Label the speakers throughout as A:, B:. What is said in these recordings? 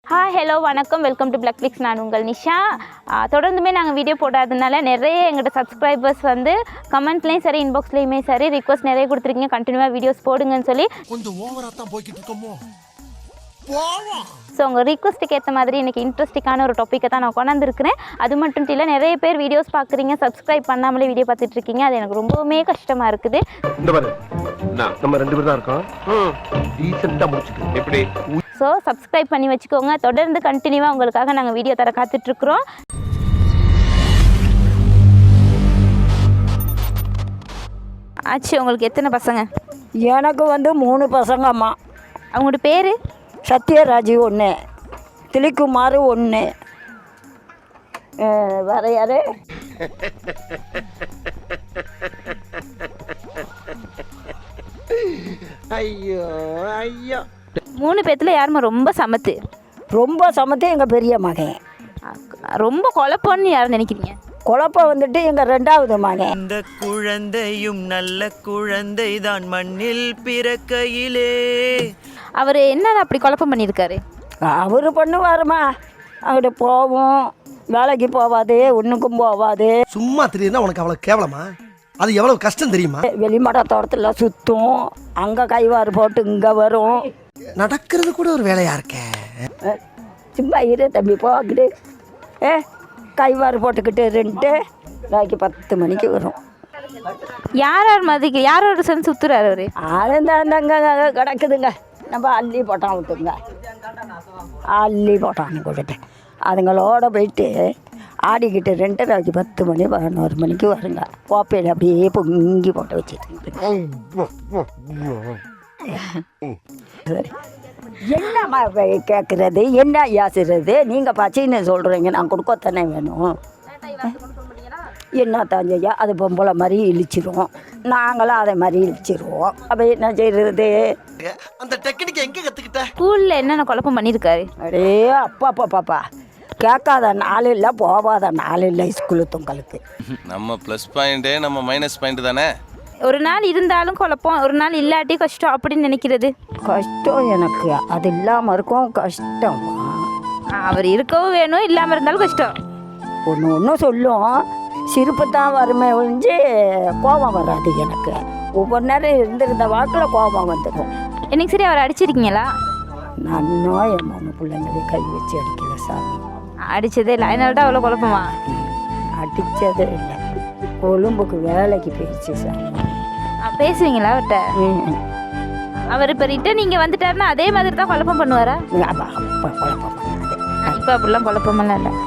A: Hi hello வணக்கம், welcome to Black Flix. நான் உங்கள் நிஷா. தொடர்ந்துமே நாங்கள் வீடியோ போடாததுனால நிறைய எங்கள்கிட்ட சப்ஸ்கிரைபர்ஸ் வந்து கமெண்ட்லேயும் சரி இன்பாக்ஸ்லேயுமே சரி ரிக்வஸ்ட் நிறைய கொடுத்துருக்கீங்க, கண்டினியூவாக வீடியோஸ் போடுங்கன்னு சொல்லி.
B: கொஞ்சம் ஓவராக தான் போய்கிட்டு இருக்கோமோ.
A: ஸோ உங்கள் ரிக்வஸ்ட்டுக்கு ஏற்ற மாதிரி இன்றைக்கி இன்ட்ரெஸ்டிங்கான ஒரு டாப்பிக்கை தான் நான் கொண்டாந்துருக்கிறேன். அது மட்டும் இல்லை, நிறைய பேர் வீடியோஸ் பார்க்குறீங்க, சப்ஸ்கிரைப் பண்ணாமலே வீடியோ பார்த்துட்ருக்கீங்க. அது எனக்கு ரொம்பவுமே கஷ்டமாக இருக்குது.
C: இந்த பாரு, நம்ம 2 பேர் தான் இருக்கோம், டீசெண்டாக முடிச்சுட்டு எப்படி.
A: ஸோ சப்ஸ்கிரைப் பண்ணி வச்சுக்கோங்க. தொடர்ந்து கண்டினியூவாக உங்களுக்காக நாங்கள் வீடியோ தர காத்துட்ருக்குறோம். ஆச்சு. உங்களுக்கு எத்தனை பசங்க?
D: எனக்கு வந்து 3 பசங்கம்மா.
A: அவங்களோட பேர்?
D: சத்யராஜ் 1, திலிக்குமார் 1, வேற யாரு?
B: ஐயோ ஐயோ.
A: 3 பேத்துல யாருமா ரொம்ப சமத்து?
D: ரொம்ப சமத்து எங்கள் பெரிய மகன்.
A: ரொம்ப குழப்பம்னு யாரும் நினைக்கிறீங்க?
D: குழப்பம் வந்துட்டு எங்கள் 2வது மகன்.
E: இந்த குழந்தையும் நல்ல குழந்தை தான் மண்ணில் பிறக்கையிலே.
A: அவர் என்ன அப்படி குழப்பம் பண்ணியிருக்காரு?
D: அவர் பண்ணுவாருமா, அங்கிட்ட போவோம், வேலைக்கு போவாது, ஒன்றுக்கும் போவாது.
B: சும்மா தெரியுதுன்னா உனக்கு அவ்வளோ கேவலமா? அது எவ்வளவு கஷ்டம் தெரியுமா?
D: வெளிமட தோட்டத்தில் சுற்றும், அங்கே கைவாறு போட்டு இங்கே வரும்.
B: நடக்கிறது கூட ஒரு வேலையா இருக்கே.
D: சும்மா இரு தம்பி, போக்கிட்டு கைவாறு போட்டுக்கிட்டு 2 நாளைக்கு 10 மணிக்கு வரும்.
A: யார் மதிக்கு யாரோட சேர்ந்து சுற்றுறாரு அவர்?
D: அங்கே கிடக்குதுங்க, நம்ம அள்ளி போட்டான் விட்டுங்க, அள்ளி போட்டான்னு கொடுத்து அதுங்களோட போயிட்டு ஆடிக்கிட்டு 2:30 10 மணி 11 மணிக்கு வருங்க. கோப்பையில் அப்படியே பொங்கி போட்டு வச்சுட்டு என்னம்மா கேட்குறது, என்ன யாசுறது? நீங்கள் பச்சைன்னு சொல்கிறீங்க, நான் கொடுக்கத்தானே வேணும். என்ன தாஞ்சையா, அது பொம்பளை மாதிரி இழிச்சிரும், நாங்களும் அதே மாதிரி இழிச்சிருவோம். அப்போ என்ன செய்கிறது?
B: அந்த டெக்னிக் எங்கே கற்றுக்கிட்ட?
A: ஸ்கூலில் என்னென்ன குழப்பம் பண்ணியிருக்காரு?
D: அடே அப்பா பாப்பா, கேட்காத நாள் இல்லை, போகாத நாள் இல்லை ஸ்கூலு தொங்கலுக்கு.
F: நம்ம ப்ளஸ் பாயிண்ட்டு நம்ம மைனஸ் பாயிண்ட் தானே.
A: ஒரு நாள் இருந்தாலும் குழப்பம், ஒரு நாள் இல்லாட்டி கஷ்டம் அப்படின்னு நினைக்கிறது.
D: கஷ்டம் எனக்கு, அது இல்லாமல் இருக்கும் கஷ்டம்.
A: அவர் இருக்கவும் வேணும், இல்லாமல் இருந்தாலும் கஷ்டம்.
D: ஒன்று சொல்லும், சிரிப்பு தான் வருமே ஒழிஞ்சு கோபம் வராது எனக்கு. ஒவ்வொரு நேரம் இருந்திருந்த வாக்கில் கோபம் வந்துடும்.
A: எனக்கு சரி, அவர் அடிச்சிருக்கீங்களா?
D: நானும் என் 3 பிள்ளைங்களை கை வச்சு அடிக்கல சாமி.
A: அடித்ததே இல்லை, அதனால தான் அவ்வளோ குழப்பமா?
D: அடித்ததே இல்லை, கொழும்புக்கு வேலைக்கு போயிடுச்சு சாமி.
A: பேசுவீங்களா அவர்கிட்ட? அவர் இப்போ ரிட்டன் நீங்கள் வந்துட்டாருன்னா அதே மாதிரி தான் குழப்பம் பண்ணுவாரா?
D: அப்போ குழப்பம் பண்ணாது.
A: இப்போ அப்படிலாம் குழப்பமெல்லாம் இல்லை.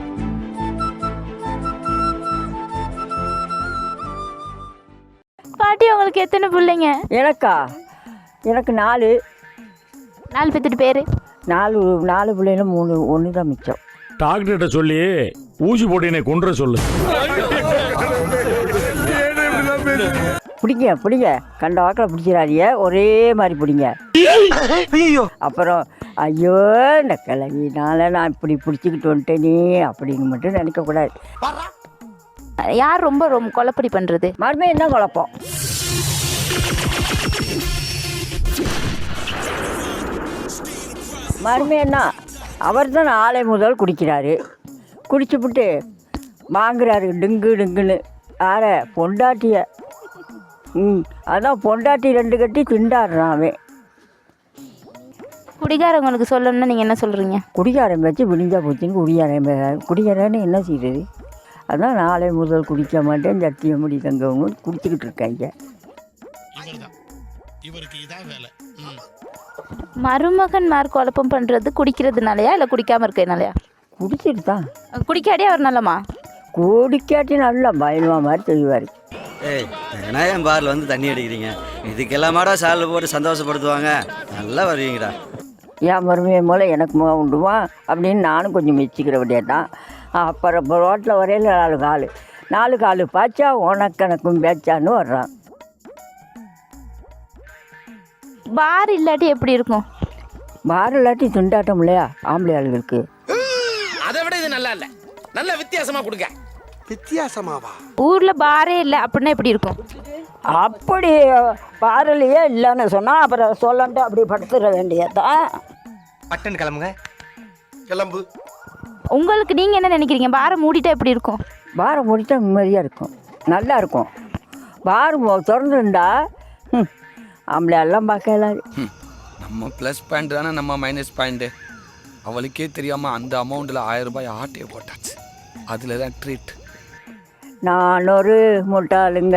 A: பாட்டி, உங்களுக்கு எத்தனை பிள்ளைங்க?
D: எனக்கு 4
A: பேத்துட்டு பேர்?
D: 4 பிள்ளைங்க, 3 1 தான் மிச்சம்.
G: டாக்டர்கிட்ட சொல்லி ஊசி போட்டு கொன்ற சொல்லு.
D: பிடிங்க கண்ட வாக்கில் பிடிச்சிடாதீங்க, ஒரே மாதிரி பிடிங்க.
B: ஐயோ,
D: அப்புறம் ஐயோ இந்த கிளவினால நான் இப்படி பிடிச்சிக்கிட்டு வந்துட்டேனே அப்படின்னு மட்டும் நினைக்கக்கூடாது.
A: யார் ரொம்ப குழப்படி பண்ணுறது?
D: மறுபடியும் என்ன குழப்பம்? மறுபடியும் என்ன, அவர் தான் 4 முதல் குடிக்கிறாரு, குடிச்சுப்புட்டு வாங்குறாரு டிங்குன்னு. யார? பொண்டாட்டிய. அதான் பொண்டாட்டி 2 கட்டி திண்டாடுறான் அவன்.
A: குடிகாரங்களுக்கு சொல்லணும்னா நீங்கள் என்ன சொல்கிறீங்க?
D: குடிகாரம் வச்சு விடிஞ்சா போச்சுன்னு குடிகாரன்னு என்ன செய்யுது? அதான் 4 முதல் குடிக்க மாட்டேன், சட்டியை முடி தங்கவங்க குடிச்சிக்கிட்டு இருக்காங்க.
A: மருமகன்மார் குழப்பம் பண்ணுறது குடிக்கிறதுனாலயா இல்லை குடிக்காமல் இருக்கிறதுனாலயா?
D: குடிச்சிட்டு தான்.
A: குடிக்காடியே அவர் நல்லமா?
D: குடிக்காட்டி நல்லா பயனுவா மாதிரி செய்வார்.
H: ஏய், விநாயகம் பாரில் வந்து தண்ணி அடிக்கிறீங்க, இதுக்கெல்லாமாடா சாலில் போட்டு சந்தோஷப்படுத்துவாங்க. நல்லா வருவீங்கடா.
D: என் மருமையை போல் எனக்கு முகம் உண்டுமா அப்படின்னு நானும் கொஞ்சம் மெச்சிக்கிற விடையே தான். அப்புறம் ரோட்டில் வரையில் 4 கால் பாய்ச்சா உனக்கணக்கும் பேச்சான்னு வர்றான்.
A: பார் இல்லாட்டி எப்படி இருக்கும்?
D: பார் இல்லாட்டி திண்டாட்டம் இல்லையா ஆம்பளை ஆளுகளுக்கு?
I: அதை விட இது நல்லா இல்லை, நல்ல வித்தியாசமா கொடுங்க.
B: வித்தியாசமாவா?
A: ஊரில் பாரே இல்லை அப்படின்னா எப்படி இருக்கும்?
D: அப்படி பாரலையே இல்லைன்னு சொன்னால் அப்புறம் சொல்லன்ட்டு அப்படி படுத்துட வேண்டியதான்.
I: பட்டன் கிளம்புங்க.
B: கிளம்பு.
A: உங்களுக்கு நீங்கள் என்ன நினைக்கிறீங்க? பாரை மூடிட்டா எப்படி இருக்கும்?
D: பாரை மூடிட்டா நிம்மதியாக இருக்கும், நல்லா இருக்கும். பார் திறந்துருந்தா ஆம்பளை எல்லாம் பார்க்கலாம்.
J: நம்ம ப்ளஸ் பாயிண்ட் தானே நம்ம மைனஸ் பாயிண்ட்டு. அவளுக்கே தெரியாமல் அந்த அமௌண்ட்டில் 1000 ரூபாய் ஆட்டையை போட்டாச்சு. அதில் தான் ட்ரீட்.
D: நான் ஒரு முட்டாளுங்க,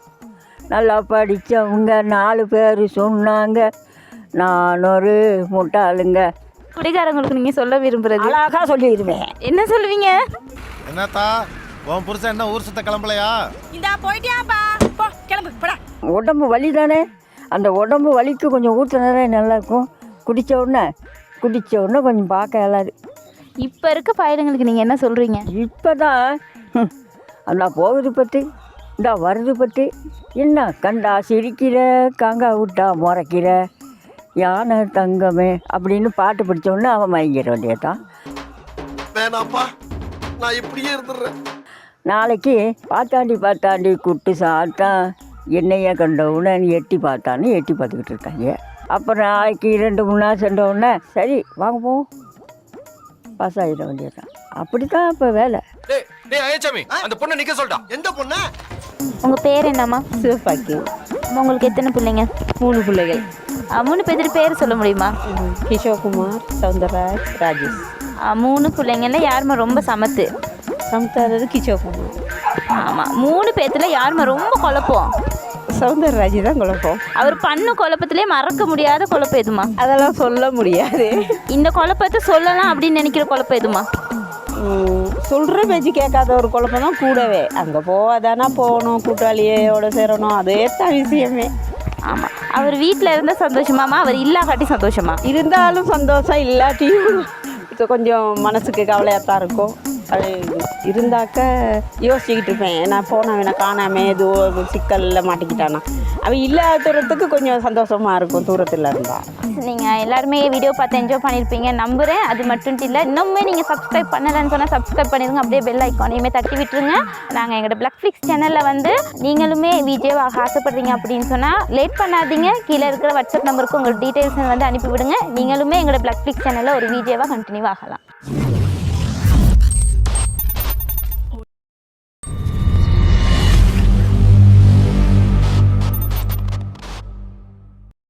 D: நல்லா படித்தவங்க 4 பேர் சொன்னாங்க. நான் ஒரு முட்டாளுங்க.
A: குடிகாரங்களுக்கு நீங்கள் சொல்ல விரும்புகிறது?
D: அழகாக சொல்லிடுவேன்.
A: என்ன சொல்லுவீங்க?
I: என்னத்தா உன் புருஷன் என்ன ஊர் சுத்த கிளம்பலையா?
K: இந்தா போயிட்டியாப்பா, போ கிளம்பு போடா.
D: உடம்பு வலி தானே, அந்த உடம்பு வலிக்கு கொஞ்சம் ஊற்றினதே நல்லாயிருக்கும். குடித்த உடனே கொஞ்சம் பார்க்க இயலாது.
A: இப்போ இருக்க பயலுங்களுக்கு நீங்கள் என்ன சொல்கிறீங்க?
D: இப்போ தான் அந்த போகுது பற்றி, இந்த வருது பற்றி, என்ன கண்டா சிரிக்கிற, காங்கா விட்டா முறைக்கிற, யானை தங்கமே அப்படின்னு பாட்டு பிடிச்சோடனே அவன் மயங்கிற வேண்டியதான்.
B: வேணாப்பா, நான் இப்படியே இருந்துடுறேன்.
D: நாளைக்கு பார்த்தாண்டி குட்டு சாத்தான் என்னைய கண்டவுடனே எட்டி பார்த்தான்னு எட்டி பார்த்துக்கிட்டு இருக்காங்க. அப்புறம் நாளைக்கு 2-3 நாள் சென்றவுடனே சரி வாங்க போவோம், பாஸ் ஆகிட வேண்டியதான். அப்படி தான் இப்போ வேலை.
C: அந்த பொண்ணை நிக்க சொல்லிட்டா.
B: எந்த பொண்ணு?
A: உங்கள் பேர் என்னம்மா?
K: சிவப்பாக்கி.
A: உங்களுக்கு எத்தனை பிள்ளைங்க?
K: 3 பிள்ளைகள்.
A: 3 பேர் பேர் சொல்ல முடியுமா?
K: கிஷோகுமார், சவுந்தரராஜ், ராஜேஷ்.
A: 3 பிள்ளைங்கள்ல யாருமா ரொம்ப சமத்து?
K: சமுத்தாரது கிஷோகுமார்.
A: ஆமாம், 3 பேர்த்துல யாருமா ரொம்ப குழப்பம்?
K: சவுந்தரராஜ் தான் குழப்பம்.
A: அவர் பண்ண குழப்பத்திலே மறக்க முடியாத குழப்பம் எதுமா?
K: அதெல்லாம் சொல்ல முடியாது.
A: இந்த குழப்பத்தை சொல்லலாம் அப்படின்னு நினைக்கிற குழப்பம் எதுமா?
K: சொல்கிற பேச்சு கேட்காத ஒரு குழப்பம் தான் கூடவே. அங்கே போகாதானா போகணும், கூட்டாளியோட சேரணும், அதே தான் விஷயமே.
A: ஆமாம், அவர் வீட்டில் இருந்தால் சந்தோஷமாமா, அவர் இல்லாக்காட்டி சந்தோஷமா?
K: இருந்தாலும் சந்தோஷம், இல்லாட்டியும் இப்போ கொஞ்சம் மனசுக்கு கவலையாக தான் இருக்கும். அது இருந்தாக்க யோசிச்சுக்கிட்டு இருப்பேன், நான் போனவனை காணாமல் ஏதோ சிக்கலில் மாட்டிக்கிட்டானா. அவன் இல்லாததுக்கு கொஞ்சம் சந்தோஷமாக இருக்கும் தூரத்தில் இருந்தால்.
A: நீங்கள் எல்லாருமே வீடியோ பார்த்து என்ஜாய் பண்ணியிருப்பீங்க நம்புகிறேன். அது மட்டும் இல்லை, இன்னுமே நீங்கள் சப்ஸ்கிரைப் பண்ணலைன்னு சொன்னால் சப்ஸ்கிரைப் பண்ணிடுங்க. அப்படியே பெல் ஐக்கானையுமே தட்டி விட்டுருங்க. நாங்கள் எங்களோட பிளாக்ஃப்ளிக்ஸ் சேனலில் வந்து நீங்களுமே விஜயவாக ஆசைப்படுறீங்க அப்படின்னு சொன்னால் லேட் பண்ணாதீங்க. கீழே இருக்கிற வாட்ஸ்அப் நம்பருக்கு உங்கள் டீட்டெயில்ஸ் வந்து அனுப்பிவிடுங்க. நீங்களுமே எங்களோட பிளாக்ஃப்ளிக்ஸ் சேனலில் ஒரு விஜயவாக கண்டினியூ ஆகலாம்.